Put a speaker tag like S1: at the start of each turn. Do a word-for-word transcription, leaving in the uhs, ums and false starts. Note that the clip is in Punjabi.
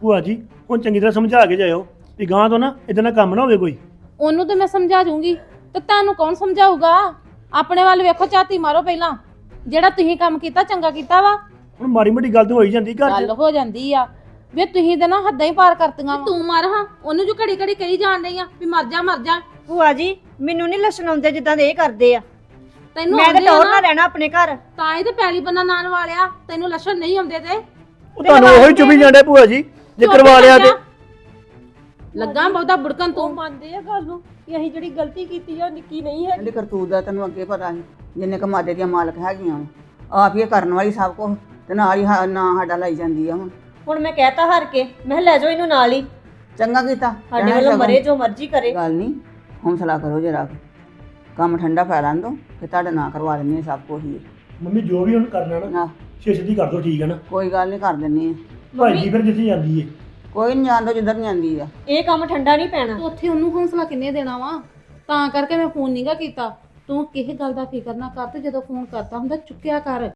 S1: ਭੂਆ ਜੀ ਹੁਣ ਚੰਗੀ ਤਰ੍ਹਾਂ ਸਮਝਾ ਕੇ ਜਾਇਓ ਵੀ ਗਾਂ ਤੋਂ ਨਾ ਇਦਾਂ ਦਾ ਕੰਮ ਨਾ ਹੋਵੇ ਕੋਈ।
S2: ਉਹਨੂੰ ਤੇ ਮੈਂ ਸਮਝਾ ਦੂੰਗੀ ਤੇ ਤੁਹਾਨੂੰ ਕੌਣ ਸਮਝਾਊਗਾ? ਆਪਣੇ ਵੱਲ ਵੇਖੋ, ਝਾਤੀ ਮਾਰੋ ਪਹਿਲਾਂ। ਜਿਹੜਾ ਤੁਸੀਂ ਕੰਮ ਕੀਤਾ ਚੰਗਾ ਕੀਤਾ ਵਾ।
S1: ਹੁਣ ਮਾੜੀ ਮੋਟੀ ਗੱਲ ਤਾਂ ਹੋ ਹੀ ਜਾਂਦੀ ਘਰ
S2: ਗੱਲ
S1: 'ਚ।
S2: ਹੋ ਜਾਂਦੀ ਆ ਵੇ ਤੁਸੀਂ ਤੇ ਨਾ ਹੱਦਾਂ ਹੀ ਪਾਰ ਕਰਤੀਆਂ। ਤੂੰ ਮਰ ਹਾਂ, ਉਹਨੂੰ ਜੋ ਘੜੀ ਘੜੀ ਕਹੀ ਜਾਣ ਰਹੀ ਆ ਵੀ ਮਰ ਜਾ ਮਰ ਜਾ।
S3: ਭੂਆ ਜੀ ਮੈਨੂੰ ਨਹੀਂ ਲੱਛਣ ਆਉਂਦੇ ਜਿੱਦਾਂ ਦੇ ਇਹ ਕਰਦੇ ਆ।
S2: ਤੈਨੂੰ
S3: ਮੈਂ ਤਾਂ
S2: ਆਉਂਦੇ ਆ
S3: ਟੌਰ
S2: ਨਾ,
S3: ਨਾਲ ਰਹਿਣਾ ਆਪਣੇ ਘਰ।
S2: ਤਾਂ ਹੀ ਤੇ ਪੈਲੀ ਬੰਨਾ ਨਾਨ ਵਾਲਿਆ। ਤੈਨੂੰ ਲੱਛਣ ਨਹੀਂ ਆਉਂਦੇ ਤੇ
S1: ਉਹ ਤੁਹਾਨੂੰ ਉਹੀ ਚੁਭੀ ਜਾਂਦੇ ਭੂਆ ਜੀ ਜੇ
S2: ਚੁੱਪ
S1: ਕਰਵਾ ਲਿਆ ਤੇ।
S2: ਲੱਗਾ ਬਹੁਤਾ ਬੁੜਕਣ
S4: ਉਹ
S2: ਤੂੰ।
S4: ਮੰਨਦੇ ਆ ਗੱਲ ਨੂੰ ਕਿ ਅਸੀਂ ਜਿਹੜੀ ਗਲਤੀ ਕੀਤੀ ਆ ਉਹ ਨਿੱਕੀ ਨਹੀਂ ਹੈ।
S5: ਇਹਦੀ ਕਰਤੂਤ ਦਾ ਤੈਨੂੰ ਅੱਗੇ ਪਤਾ ਸੀ ਜਿੰਨੇ ਕਮਾਦੇ ਦੀਆਂ ਮਾਲਕ ਹੈਗੀਆਂ ਵਾ ਆਪ ਹੀ ਇਹ ਕਰਨ ਵਾਲੀ ਸਭ ਕੁਝ ਤੇ ਨਾਲ ਹੀ ਸਾ- ਨਾਂ ਸਾਡਾ ਲਾਈ ਜਾਂਦੀ ਆ। ਹੁਣ
S3: ਹੁਣ ਮੈਂ ਕਹਿਤਾ ਹਾਰ ਕੇ, ਮੈਂ ਕਿਹਾ ਲੈ ਜਾਓ ਇਹਨੂੰ ਨਾਲ ਹੀ,
S5: ਚੰਗਾ ਕੀਤਾ
S3: ਸਾਡੇ
S5: ਕਹਿਣਾ
S3: ਵੱਲੋਂ
S5: ਸਗੋਂ।
S3: ਮਰੇ ਜੋ ਮਰਜ਼ੀ ਕਰੇ।
S5: ਗੱਲ ਨਹੀਂ, ਹੌਸਲਾ ਕਰੋ ਜਰਾ ਕੁ। ਕੰਮ ਠੰਡਾ ਪੈ ਲੈਣ ਦੋ ਤੇ ਤੁਹਾਡੇ ਨਾਂ ਕਰਵਾ ਦਿੰਦੇ ਸਭ ਕੁਝ ਹੀ।
S1: ਮੰਮੀ ਜੋ ਵੀ ਹੁਣ ਕਰਨਾ ਨਾ
S5: ਆਹ,
S1: ਛੇਤੀ ਕਰ ਦੋ, ਠੀਕ ਹੈ ਨਾ?
S5: ਕੋਈ ਗੱਲ ਨਹੀਂ ਕਰ ਦਿੰਦੇ ਆ।
S1: ਭਾਈ ਜੀ ਫਿਰ ਜਿੱਥੇ ਜਾਂਦੀ ਏ
S5: ਕੋਈ ਨਹੀਂ ਜਾਣਦਾ ਜਿੱਧਰ ਨਹੀਂ ਜਾਂਦੀ ਆ।
S3: ਇਹ ਕੰਮ ਠੰਡਾ ਨਹੀਂ ਪੈਣਾ।
S2: ਤੂੰ ਉੱਥੇ ਉਹਨੂੰ ਹੌਸਲਾ ਕਿੰਨੇ ਦੇਣਾ ਵਾ? ਤਾਂ ਕਰਕੇ ਮੈਂ ਫੋਨ ਨਹੀਂਗਾ ਕੀਤਾ। ਤੂੰ ਕਿਸੇ ਗੱਲ ਦਾ ਫਿਕਰ ਨਾ ਕਰ ਤੇ ਜਦੋਂ ਫੋਨ ਕਰਦਾ ਹੁੰਦਾ ਚੁੱਕਿਆ ਕਰ।